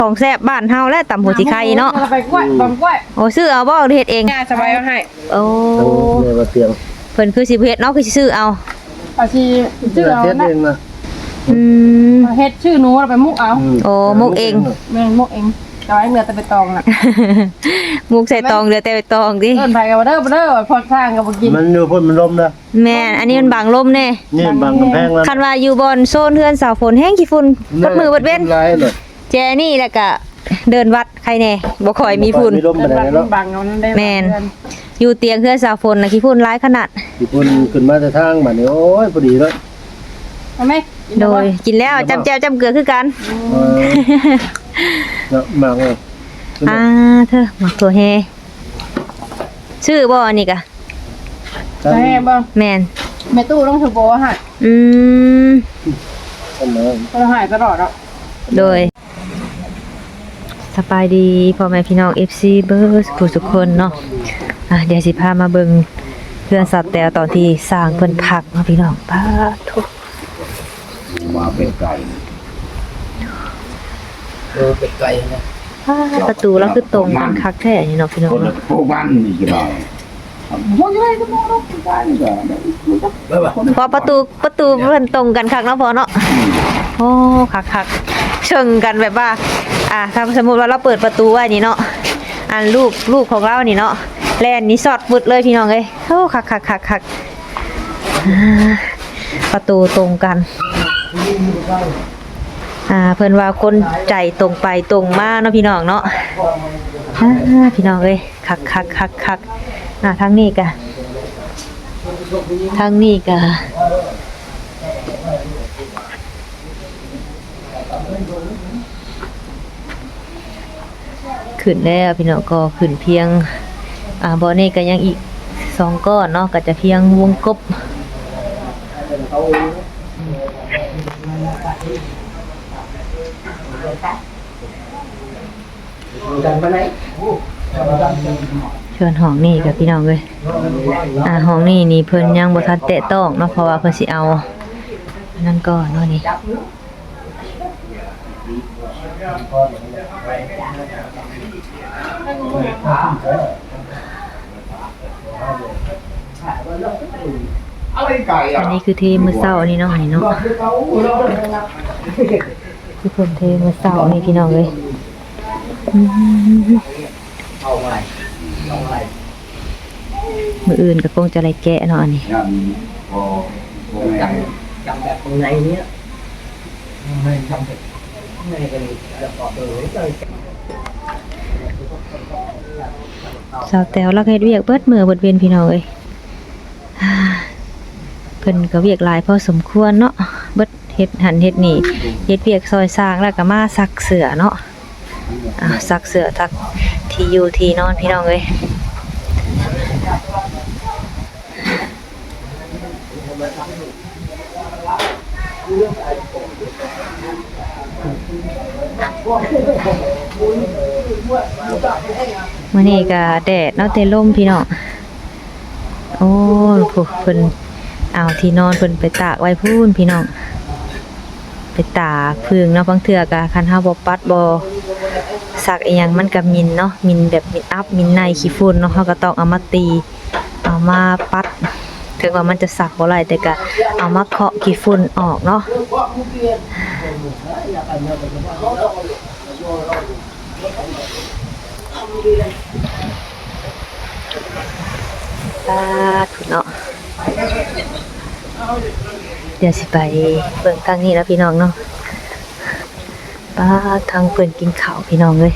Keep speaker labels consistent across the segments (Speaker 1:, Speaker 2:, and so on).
Speaker 1: ของแซ่บบ้านเฮาและตำหัวสิไข่เนาะ
Speaker 2: ไปกล้วยบางกล้วย
Speaker 1: โอ้ซื้อเอาบ่เฮ็ดเอง
Speaker 2: สบายเอาให้
Speaker 1: โอ้
Speaker 3: เนี่ยมาเตียง
Speaker 1: เพิ่นคือสิเฮ็ดเนาะคือสิซื้อเอา
Speaker 2: สิชื่อเอานะเฮ็ดชื่อหนูเราไปมุกเอา
Speaker 1: โอ้มุกเอง
Speaker 2: แม่มุกเองจะไว้เนื้อแต่ไปตองน่ะ
Speaker 1: มุกใส่ตองเหลือแต่ไปตองดิ
Speaker 2: เอิ้นไผก็บ่เด้อพอทางก็บ่กิน
Speaker 3: มันอยู่พุ่นมันลมนะ
Speaker 1: แม่อันนี้มันบังลมแน่
Speaker 3: นี่บังกำแพงแล้ว
Speaker 1: คันว่าอยู่บนโซนเฮือนสาวฝนแห้งขี้ฝุ่นเบิดมือเบิดเว้นแจนี่แล้วก็เดินวัดใครแน่บ่ค่อยมีฝุ่น
Speaker 2: บังเอานั่นได้
Speaker 1: แม่นอยู่เตียงเฮือนสาวฝนน่ะขี้ฝุ่นหลายขนาด
Speaker 3: ขี้ฝุ่นขึ้นมาแต่ทางบัดนี้โอ้ยพอดีเลย
Speaker 2: เอามั้ย
Speaker 1: โดยกินแล้วจำแจ่วจำเกลือคือกัน
Speaker 3: เนาะมากเลย
Speaker 1: เธอหมักถั่วแฮชื่อบ่อันนี้กะ
Speaker 2: แม่บ่
Speaker 1: แม่น
Speaker 2: แม่ตู้ต้องถือโบให้ต้องให้ตลอดอ่ะ
Speaker 1: โดยสบายดีพ่อแม่พี่น้อง FC เบิร์ดทุกคนเนาะเดี๋ยวสิพามาเบิ่งเพื่อนสัตว์แต่ตอนที่สร้างเพิ่นพักเนาะพี่น้องพาทุก
Speaker 3: มาเป็นไก่เป็นไก่นะ
Speaker 1: ประตูแล้วคือตรงกันคักแท้นี่เนาะพี่น้อง
Speaker 3: เนาะโบ้านนี่ก็ได้
Speaker 1: พอประตูเพิ่นตรงกันคักเนาะพอเนาะโอ้คักเชิงกันแบบว่าถ้าสมมุติว่าเราเปิดประตูไว้นี่เนาะลูกของเรานี่เนาะแล่นนี่สอดฟึดเลยพี่น้องเอ้ยโอ้คักประตูตรงกันเพิ่นว่าคนใจตรงไปตรงมาเนาะพี่น้องเนาะพี่น้องเอ้ยคักทางนี้กะขึ้นแล้วพี่น้องก็ขึ้นเพียงบ่อนี้ก็ยังอีก2ก้อนเนาะก็จะเพียงวงกบชวนห้องนี่กับพี่น้องเลยห้องนี่เพิ่นยังบ่ทันแตะต้องเนาะเพราะว่าเพิ่นสิเอานั่นก่อนเนาะนี่อันนี้คือเทมื้อเช้านี่เนาะนี่เนาะคือเพิ่นเทมื้อเช้านี่พี่น้องเลยมืออื่นก็คงจะไรแกะเนาะอันนี้
Speaker 3: จำแบบตรงไหนเนี้ยไม่จำแบบไม่เป็นจะต่อ
Speaker 1: สาวแต๋วลักเฮ็ดเวียกเบิดมือเบิดเวียนพี่น้องเอ้ยเพิ่นก็เวียกหลายพอสมควรเนาะเบิดเฮ็ดหันเฮ็ดนี่เฮ็ดเวียกซอยสร้างแล้วก็มาซักเสื้อเนาะซักเสื้อทักที่อยู่ที่นอนพี่น้องเอ้ยมื้อนี้ก็แดดเนาะแต่ลมพี่น้องโอ้เพิ่นเอาที่นอนเพิ่นไปตากไว้พูนพี่น้องไปตากพึ่งเนาะบางเทื่อก็คันเฮาบ่ปัดบ่ซักอีหยังมันก็มินเนาะมินแบบมินอัพมินในขี้ฝุ่นเนาะเฮาก็ต้องเอามาตีเอามาปัดถึงว่ามันจะซักบ่ไหลแต่ก็เอามาเคาะขี้ฝุ่นออกเนาะถูกเนาะเดี๋ยวสิไปเบิ่งทางนี้แล้วพี่น้องเนาะทางเพิ่นกินข้าวพี่น้องเลย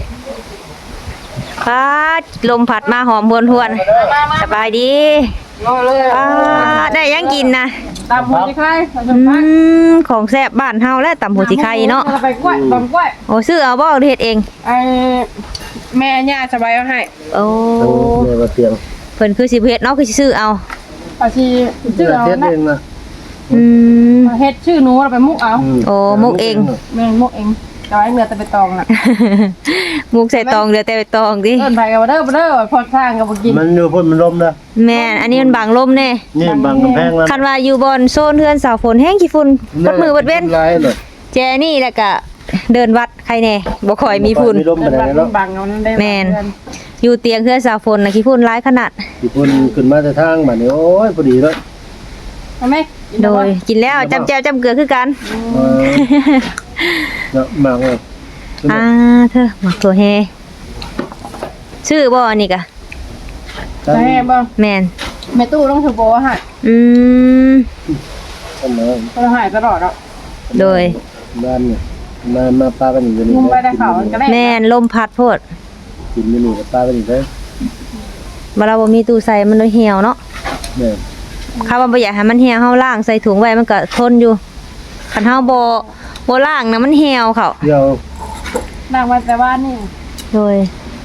Speaker 1: ลมพัดมาหอมหวนสบายดีได้ยังกินนะ
Speaker 2: ตำหัวสิไข่
Speaker 1: ของแซ่บบ้านเฮาและตำหัวสิไข่เนาะ
Speaker 2: ไปกล้วยบางกล้วย
Speaker 1: โอ้ซื้อเอาบ่เฮ็ดเอง
Speaker 2: แม่ย่าสบายเอาให้
Speaker 1: โอ้
Speaker 3: เนี่ยมาเตียง
Speaker 1: เพิ่นคือสิเฮ็ดเนาะคือสิซื้อเอา
Speaker 2: สิชื่อเอานะเฮ็ดชื่อหนูเราไปมุกเอา
Speaker 1: โอ้มุกเอง
Speaker 2: แม่มุกเองจะไว้เนื้อแต่ไปตองน่ะ
Speaker 1: มุกใส่ตองเหลือแต่ไปตองดิ
Speaker 2: เอิ้นไผก็บ่เด้อพอทางก็บ่กิน
Speaker 3: มันอยู่พุ่นมันลมนะ
Speaker 1: แม่อันนี้มันบังลมแน่
Speaker 3: นี่บังกำแพงแล้ว
Speaker 1: คันว่าอยู่บนโซนเฮือนสาวฝนแห้งขี้ฝุ่นเบิดมือเบิดเว้นแจนี่แล้วก็เดินวัดใครแน่บ่ค่อยมีฝุ่น
Speaker 3: มีลมปานใดเนาะ
Speaker 2: บังเอานั่นได้
Speaker 1: แม่น อยู่เตียงเฮือนสาวฝนน่ะขี้ฝุ่นหลายขนาด
Speaker 3: สิพุ่นขึ้นมาแต่ทางบัดนี้โอ้ยพอดีเลย
Speaker 2: เอาไหม
Speaker 1: โดยกินแล้วจำแจวจำเกลือคือกัน
Speaker 3: เออเนาะมากเลย
Speaker 1: เธอหมักตัวแฮชื่อบ่อันนี้กะ
Speaker 2: แม่บ่
Speaker 1: แม่น
Speaker 2: แม่ตู้ต้องถือโบหาย
Speaker 1: อืม
Speaker 3: อันนั้น
Speaker 2: ต้องหายตลอดอ่ะ
Speaker 1: โดย
Speaker 3: บ้านเนี่ยมาปลากันอยู่นี่
Speaker 2: มุมไปได้เขาก็ได้
Speaker 1: แม่นลมพัดโพด
Speaker 3: กินอยู่นี่กับปลากันอยู่เด้อ
Speaker 1: บ่เราบ่มีตู้ใส่มันเลยเหี่ยวเนาะ
Speaker 3: แม่
Speaker 1: ข้าว่าบ่อยากให้มันเหี่ยวเฮาล้างใส่ถุงไว้มันก็ทนอยู่คันเฮาบ่ล้างนะมันเหี่ยวเขา
Speaker 3: เดี๋ยว
Speaker 2: นั่งวันแต่บ้านนี่
Speaker 1: โดย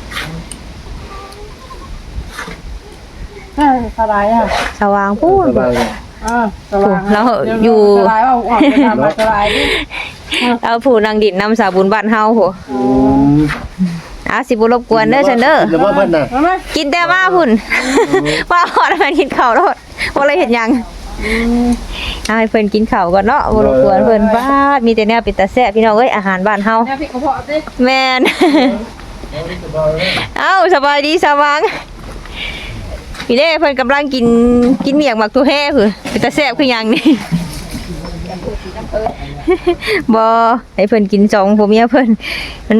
Speaker 2: สบายอ่ะ
Speaker 1: สว่างพูด
Speaker 3: สบายเลย
Speaker 2: สบาย
Speaker 1: เราอยู่
Speaker 2: สบายว่าออกไปทำมาสบายดิ
Speaker 1: เอาผู้นางดินนำสาบุญบ้านเฮาโห
Speaker 3: อืม
Speaker 1: สิบ่รบกวนเด้อฉันเด้อ
Speaker 3: แล้วว่าเพิ่นน่ะ
Speaker 2: เอาไหม
Speaker 1: กินแต่มาพุ่นว่าฮอดมันกินข้าวแล้วบ่เลยเฮ็ดหยังเอาให้เพิ่นกินข้าวก่อนเนาะบ่รบกวนเพิ่นบ้าดมีแต่แนวเป็นตาแซ่บพี่น้องเอ้ยอาหารบ้านเฮา
Speaker 2: เนี่ยพี่กระเพาะดิ
Speaker 1: แม่น เอ้าสบายดีสว่างพี่เด้เพิ่นกำลังกินเมียงหมักตัวแห่คือเป็นตาแซ่บคือหยังนี่ บ่ให้เพิ่นกินสองผัวเมียเพิ่นมัน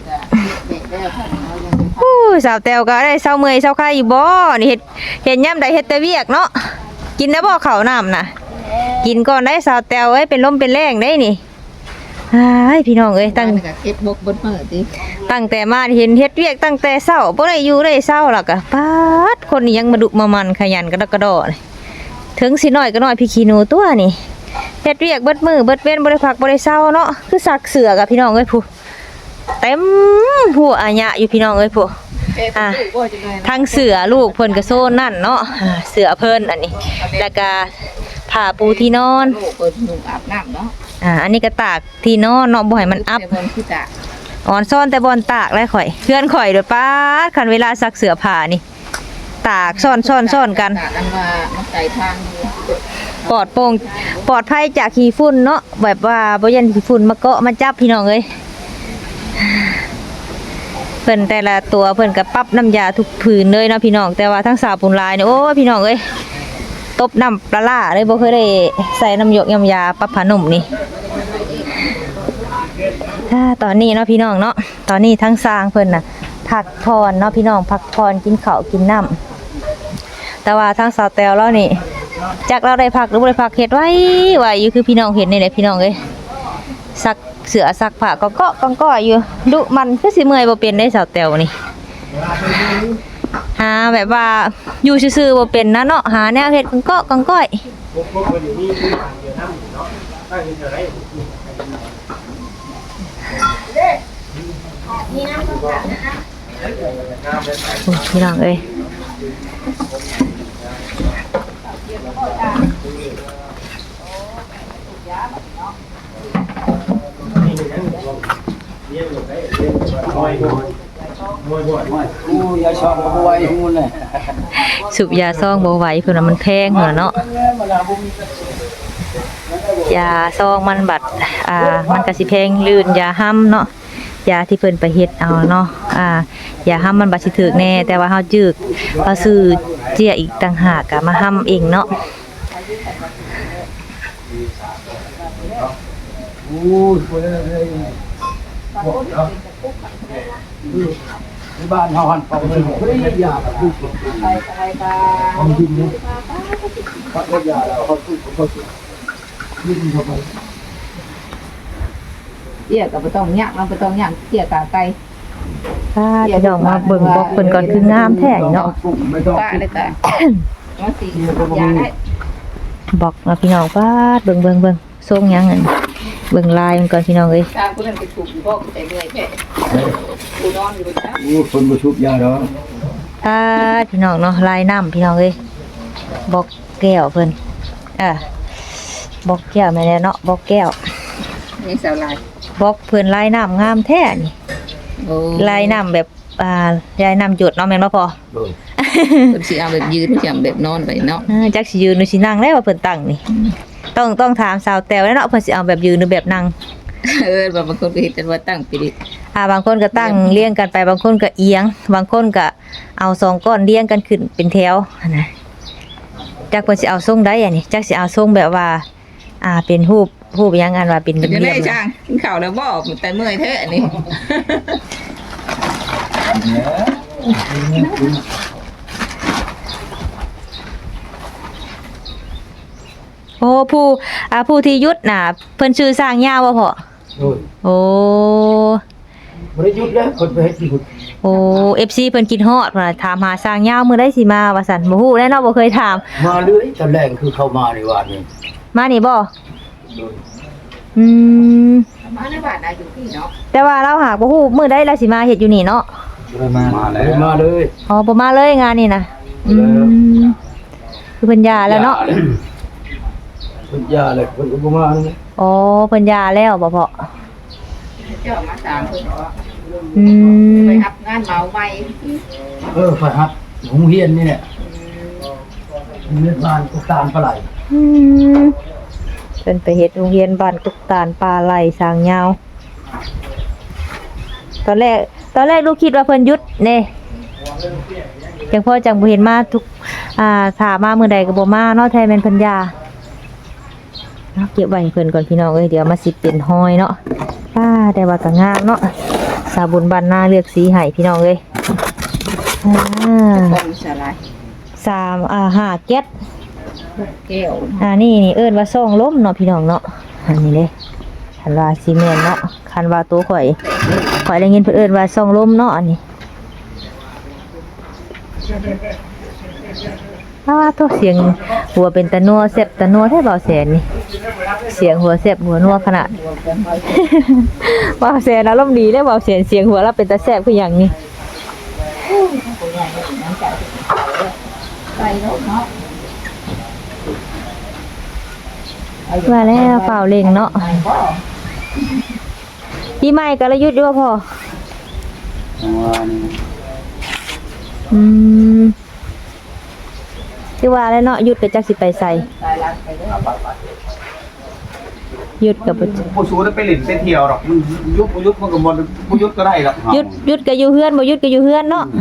Speaker 1: สาวแต้วก็ได้เศร้าเมื่อยเศร้าไข้อยู่บ่นี่เฮ็ดยามใดเฮ็ดแต่เวียกเนาะกินแล้วบ่ข้าวน้ำน่ะกินก่อนได้สาวแต้วเอ้ยเป็นลมเป็นแรงได้นี่อ้ายพี่น้องเอ้ยตั้ง
Speaker 2: เก็บบกบนมือดิ
Speaker 1: ตั้งแต่มาเห็นเฮ็ดเวียกตั้งแต่เช้าบ่ได้อยู่ได้เช้าล่ะก็ปาดคนนี้ยังมาดุมามันขยันกระดกกระดอเลยถึงสิน้อยก็น้อยพี่ขี้หนูตัวนี่เฮ็ดเวียกเบิดมือเบิดเว้นบ่ได้พักบ่ได้เช้าเนาะคือซักเสื้อกับพี่น้องเอ้ยผู้เต็มหัวอาญะอยู่พี่น้องเอ้ยผู้ทั้งเสื้อลูกเพิ่นก็โซนนั่นเนาะเสื้อเพิ่นอันนี้แล้วก็ผ้าปูที่นอน
Speaker 2: เปิดหนุ่มอาบน้ำเนาะ
Speaker 1: อันนี้ก็ตากที่นอนเนาะบ่ให้มันอับ
Speaker 2: บนที่ตา
Speaker 1: อ่อนซ่อนแต่บอนตากแล้วข่อยเพื่อนข่อยเด้อป้าดคันเวลาซักเสื้อผ้านี่ตากซ่อนกัน
Speaker 2: อันว่ามันใส่ทางอยู่
Speaker 1: ปลอดโปร่งปลอดภัยจากขี้ฝุ่นเนาะแบบว่าบ่ยันขี้ฝุ่นมาเกาะมาจับพี่น้องเอ้ยเพิ่นแต่ละตัวเพิ่นก็ปรับน้ำยาทุกผืนเลยเนาะพี่น้องแต่ว่าทั้งสาวปุนลายเนี่ยโอ้ยพี่น้องเอ้ยตบน้ำปลาร้าเลยบ่เคยได้ใส่น้ำหยกน้ำยาปรับผ้านุ่มนี่ตอนนี้เนาะพี่น้องเนาะตอนนี้ทั้งสร้างเพิ่นน่ะพักผ่อนเนาะพี่น้องพักผ่อนกินข้าวกินน้ำแต่ว่าทั้งสาวแตวแล้วนี่จากเราได้พักหรือบ่ได้พักเฮ็ดไว้อยู่คือพี่น้องเห็นนี่แหละพี่น้องเอ้ยซักเสื้อซักผ้าก็เกาะก้อยอยู่ดุมันคือสิเมื่อยบ่เป็นได้สาวแตวนี่หาแบบว่าอยู่ซื่อๆบ่เป็นนะเนาะหาแนวเฮ็ดเกาะก้อยพี่น้องเอ้ยสูบยาซองบ่ไหวเพิ่นว่ามันแพงเหรอเนาะยาซองมันบัดมันก็สิแพงลื่นยาห้ำเนาะยาที่เพิ่นไปเฮ็ดเอาเนาะยาห้ำมันบัดสิถึกแน่แต่ว่าเฮาจึกเฮาซื้อเจียอีกต่างหากก็มาห้ำเองเนาะ
Speaker 3: บ้านเฮาหันเป่าเลยบ่ได้ยาแบบนี้ของดินเนี่ยพักยาแล้วเขาสู้ดิ้นเข้าไป
Speaker 2: เกี่ยกับต้องย่างเราต้องย่างเกี่ยกาไก่
Speaker 1: พี่น้องมาเบิ่งบอกเพิ่นก่อนคืองามแท้เนาะ
Speaker 3: ไม่ต้อง
Speaker 2: ตาเลยตาว่าสียาได้
Speaker 1: บอกมาพี่น้องว่าเบิ่งส่งหยังอันเบิ่งลายมันก่อนพี่น้องเอ้ย
Speaker 2: ตาคุณนั่นไปถูกพ่อแต่เมื่อยแค่กูนอนอยู่นะ
Speaker 3: โอ้คนบ่ชุบยาดอก
Speaker 1: พี่น้องเนาะลายน้ำพี่น้องเอ้ยบอกแก้วเพิ่นบอกแก้วแม่นเนาะบอกแก้ว
Speaker 2: นี่สาวลาย
Speaker 1: บอกเพิ่นลายน้ำงามแท้นี่ลายน้ำแบบลายน้ำหยดเนาะแม่นบ่พอ
Speaker 2: เป็นสีเอาแบบยืนสีเอาแบบนอนไปเนาะ
Speaker 1: จักสิยืนหรือสินั่งได้ว่าเพิ่นตั้งนี่ต้องถามสาวแตวแล้วเนาะเพิ่นสิเอาแบบยืนหรือแบบนั่ง
Speaker 4: บางคนก็เฮ็ดแต่ว่าตั้งปิดิ
Speaker 1: บางคนก็ตั้งเรียงกันไปบางคนก็เอียง บางคนก็เอา2ก้อนเรียงกันขึ้นเป็นแถวนะจักเพิ่นสิเอาทรงใดอันนี้จักสิเอาทรงแบบว่าเป็นรูปหยังอันว่าเป็น
Speaker 4: จะ
Speaker 1: เรี
Speaker 4: ได้
Speaker 1: ยบ
Speaker 4: ช่างกินข้าวแล้วบ่แต่เมื่อยแท้อันนี้
Speaker 1: โอ้ผู้ที่ยุดน่ะเพิ่นชื่อสร้างยาวบ่พ่อ
Speaker 3: โอ้ย
Speaker 1: โอ้
Speaker 3: บ่ได้หยุดแล้วคนไปเฮ็ดที่คุณ
Speaker 1: โอ้ FC เพิ่นคิดฮอดว่าถามหาสร้างยาวมื้อใดสิมาว่าซั่นบ่ฮู้แน่เนาะบ่เคยถาม
Speaker 3: มาเรื่อยตอนแรกคือเข้ามาในวานนี้
Speaker 1: มานี่บ่
Speaker 3: โดย
Speaker 1: อืม
Speaker 4: มาในบ้านอยู่ที่เนาะ
Speaker 1: แต่ว่าเราหากบ่ฮู้มื้อใดเราสิมาเฮ็ดอยู่นี่เนาะ
Speaker 3: มาแล้วมาเลย
Speaker 1: อ๋อบ่มาเลยงานนี่นะอืมคือเพิ่นหย่าแล้วเนาะ
Speaker 3: เพิ่นยาเลยเพิ่นก็บ่มาเลย
Speaker 1: อ๋อเพิ่นหย่าแล้วบ่พ่อ
Speaker 4: เจ้ามาตามเพิ่นว่า
Speaker 1: อืม
Speaker 4: ไปรับงานเหมาใหม่
Speaker 3: ไปครับโรงเรียนนี่แหละโรงเรียนบ้านกุตานปลาไหล
Speaker 1: อืมเพิ่นไปเฮ็ดโรงเรียนบ้านกุกตาลปลาไหลสร้างยาวตอนแรกลูกคิดว่าเพิ่นหยุดเน่จังพ่อจังบ่เห็นมาทุกถ้ามามื้อใดก็บ่มาเนาะแท้แม่นเพิ่นหย่าเนาะเก็บไว้ให้เพิ่นก่อนพี่น้องเอ้ยเดี๋ยวมาสิเป็นห้อยเนาะแต่ว่าก็งามเนาะสาบุญบ้านนาเลือกสีให้พี่น้องเอ้ย
Speaker 4: ต้นสลาย
Speaker 1: 5แก๊ส
Speaker 4: แก้ว
Speaker 1: นี่เอิ้นว่าซ่องล้มเนาะพี่น้องเนาะอันนี้เด้คันว่าซีเมนต์เนาะคันว่าตัวข่อยได้ยินเพิ่นเอิ้นว่าซ่องล้มเนาะอันนี้ตัวเสียงหัวเป็นตะนัวแซ่บตะนัวแท้เบาแสนนี่เสียงหัวแซ่บหัวนัวขนาด เบาแสนอารมณ์ดีเด้เบาแสนเสียงหัวเราเป็นตาแซ่บคือหยังนี่ว่าแล้วเปล่าเล่งเนาะพี่ใหม่กลยุทธ์ด้วยพ่อที่ว่าแล้วเนาะหยุดกับจักสิไปใส่หยุดกับ
Speaker 5: ผู้สูได้ไปหลินไปเที่ยวหรอกมันยุบมันก็บ่ยุบก็ได้หรอก
Speaker 1: หยุดกับอยู่เฮือนบ่หยุดกับอยู่เฮือนเนาะ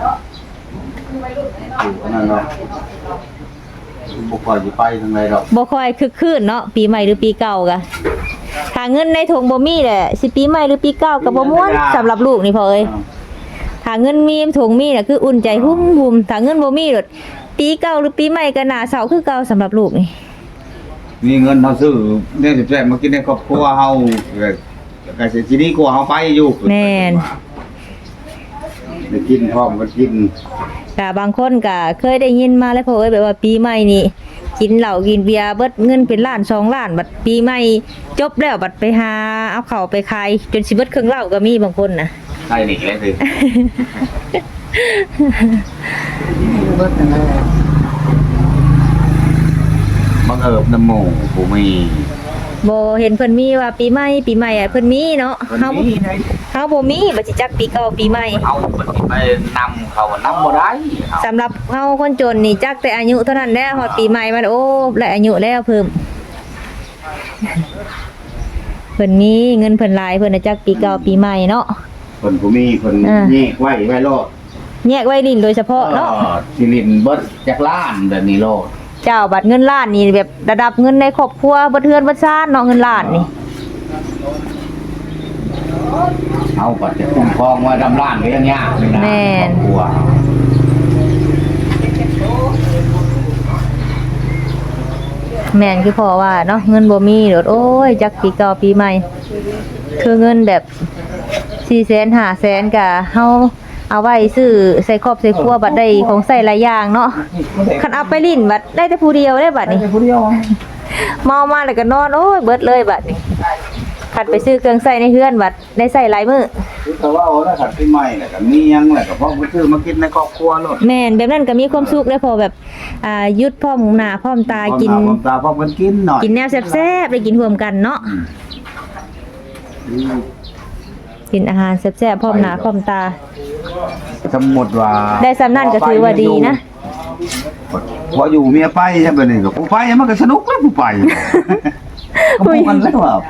Speaker 5: นั่นเนาะบ่ค่อยสิไปทางใดหรอก
Speaker 1: บ่ค่อยคึกคืนเนาะปีใหม่หรือปีเก่ากะถ้าเงินในถุงบ่มีแหละสิปีใหม่หรือปีเก่าก็บ่ม่วนสำหรับลูกนี่พ่อเอ้ยถ้าเงินมีถุงมีน่ะคืออุ่นใจหุ้มถ้าเงินบ่มีดปีเก่าหรือปีใหม่ก็น่าเศร้าคือเก่าสำหรับลูกนี่
Speaker 5: มีเงินเฮาซื้อเนี่ยสิแซ่บมากินในครอบครัวเฮาก็สิทีนี้กลัวเฮาไปอยู่
Speaker 1: แม่น
Speaker 5: ได้กินพร้อมกันกิน
Speaker 1: ก็บางคนก็เคยได้ยินมาแล้วพ่อเอ้ยแบบว่าปีใหม่นี่กินเหล้ากินเบียร์เบิดเงินเป็นล้าน2ล้านบัดปีใหม่จบแล้วบัดไปหาเอาเข้าวไปขายจนสิเบิดเครื่องเหล้าก็มีบางคนน่ะ
Speaker 5: ใช่นี่แหละสิบังเอิญน้ำหมูผู้มี
Speaker 1: บ่เห็นเพิ่นมีว่าปีใหม่เพิ่นมีเนาะเฮาบ่มีบ่สิจักปีเก่าปีใหม่
Speaker 5: เอาไปนำเขานำบ่ได้
Speaker 1: สำหรับเฮาคนจนนี่จักแต่อายุเท่านั้นแหละฮอดปีใหม่มันโอ้และอายุแล้วเพิ่มเพิ่นมีเงินเพิ่นหลายเพิ่นน่ะจักปีเก่าปีใหม่เนาะ
Speaker 5: เพิ่นผู้มีเพิ่นแยกไว้โลด
Speaker 1: แยกไว้ลิ้นโดยเฉพาะเนาะ
Speaker 5: สิรินเบิดจากล้านแบบนี้โลด
Speaker 1: เจ้าบัตรเงินล้านนี่แบบระดับเงินในครอบครัวบ่เทือนบ่ซ่านเนาะเงินล้านนี่
Speaker 5: เอาบัดจะคุ้มครองไว้ดำล้านก็ยังยากเลยนะครอบครัว
Speaker 1: แม่นคือพ่อว่าเนาะเงินบ่มีโดดโอ้ยจักปีเก่าปีใหม่คือเงินแบบ400,000 500,000ก็เฮาเอาไว้ซื้อใส่ครอบใส่ครัวบัดได้ของใส่หลายอย่างเนาะคันเอาไปลิ้นบัดได้แต่ผู้เดียวได้บัดนี้ผู้เดียวเมามาแล้วก็นอนโอ้ยเบิดเลยบัดนี้คันไปซื้อเครื่องใส่ในเฮือนบัดได้ใส่หลายมื้อ
Speaker 5: แต่ว่าเอาแล้วขัดปีใหม่แหละก็มียังแหละก็เพราะบ่ซื้อมากินในครอบครัวโลด
Speaker 1: แม่นแบบนั้นก็มีความสุขได้พอแบบยุดพร้อมหน้าพร้อมตากิน
Speaker 5: พร้อมตาพร้อมกันกินหน่อย
Speaker 1: กินแนวแซ่บๆได้กินร่วมกันเนาะกินอาหารแซ่บๆพร้อมหน้าพร้อมตา
Speaker 5: สมมุติว่า
Speaker 1: ได้สำนั่นก็ถือว่าดีนะ
Speaker 5: พออยู่เมียไปใช่บ่นี่ก็ผู้ไปมันก็สนุกแล้วผู้ไปก็พูดกันแล้วว่า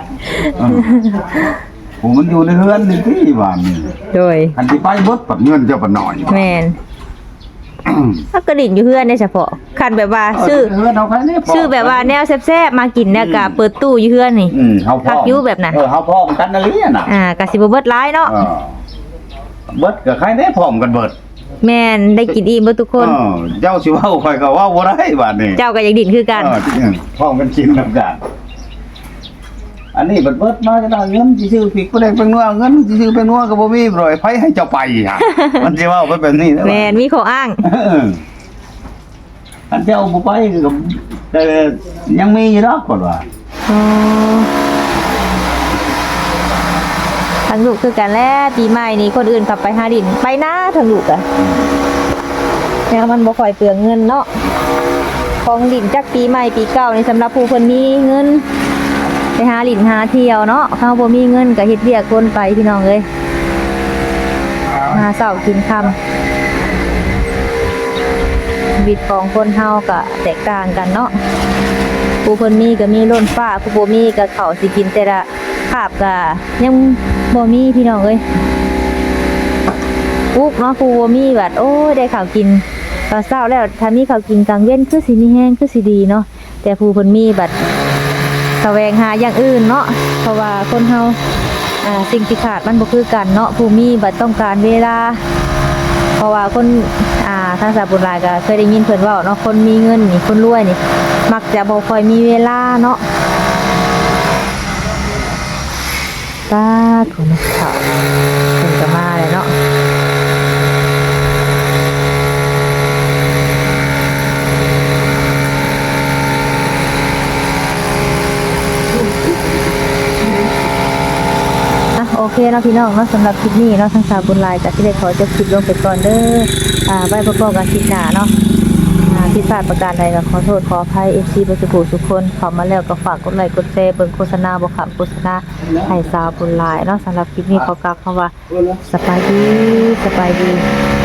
Speaker 5: ผมมันอยู่ในเรือนนี่ที่บ้านนี่
Speaker 1: โดย
Speaker 5: อันที่ไปเบิดปัดเงินเจ้าปัดหน่อย
Speaker 1: แม่นถ้ากระดิ่งอยู่เฮือนได้เฉพาะคันแบบว่าซื้อ
Speaker 5: เรือนเอาแค่นี้พ
Speaker 1: ชื่อแบบว่าแนวแซ่บๆมากินเนี่ยก็เปิดตู้อยู่เฮือนนี่
Speaker 5: เฮาพ่
Speaker 1: พักอยู่แบบนั้น
Speaker 5: เฮาพ่อกันนั่นเลยน่ะ
Speaker 1: ก็สิบ่เบิดหลายเนาะ
Speaker 5: เบิดก็ใครได้พร้อมกันเบิด
Speaker 1: แม่นได้กินอิ่มเบิดทุกคน
Speaker 5: เจ้าสิเว้าข่อยก็เว้าบ่ได้บาดนี้
Speaker 1: เจ้าก็อยากดิ่นคือกัน
Speaker 5: พร้อมกันกินนำกันอันนี้เบิดมาจะได้เงินสิซื้อพริกบ่ได้เป็นนัวเงินสิซื้อเป็นนัวก็บ่มีบ่ไผให้เจ้าไปฮะมันสิเว้าแบบนี้นะ
Speaker 1: แม่นมีข้ออ้าง
Speaker 5: อันเจ้าบ่ไปก็แต่ยังมีอยู่ดอกก่อนว่า
Speaker 1: อ๋อทั้งลูกคือกันแล้วปีใหม่นี้คนอื่นขับไปหาดินไปนะทั้งลูกอะแล้วมันบ่ค่อยเปลืองเงินเนาะของดินจักปีใหม่ปีเก่านี่สำหรับผู้เพิ่นมีเงินไปหาดินหาเที่ยวเนาะเขาบ่มีเงินก็เฮ็ดเวียกคนไปพี่น้องเอ้ยมาเช้ากินค่ำชีวิตของคนเฮาก็แตกต่างกันเนาะผู้เพิ่นมีก็มีล้นฟ้าผู้บ่มีก็ข้าวสิกินแต่ละคาบก็ยังบ่มีพี่น้องเอ้ยปุ๊กเนาะผู้บ่มีบัดโอ้ยได้ข้าวกินตอนเช้าแล้วถ้ามีข้าวกินกลางเว้นคือสิมีแห้งคือสิดีเนาะแต่ผู้เพิ่นมีบัดแสวงหาอย่างอื่นเนาะเพราะว่าคนเฮาสิ่งที่ขาดมันบ่คือกันเนาะผู้มีบัดต้องการเวลาเพราะว่าคนทางสาวบุญหลายก็เคยได้ยินเพิ่นเว้าเนาะคนมีเงินนี่คนรวยนี่มักจะบ่ค่อยมีเวลาเนาะป้าถุนข้าวเพิ่นก็มาเลยเนาะโอเคเนาะพี่น้องเนาะสำหรับคลิปนี้เนาะทางสาวบุญหลายก็สิได้ขอจบคลิปลงไปก่อนเด้อไว้พบกันคลิปหน้าเนาะผิดพลาดประการใดก็ขอโทษขออภัย FC บ่สุขทุกคนเข้ามาแล้วก็ฝากกดไลค์กดแชร์เบิ่งโฆษณาบ่ขำโฆษณาให้สาวบุญหลายเนาะสำหรับคลิปนี้ขอกล่าวคำว่าสบายดี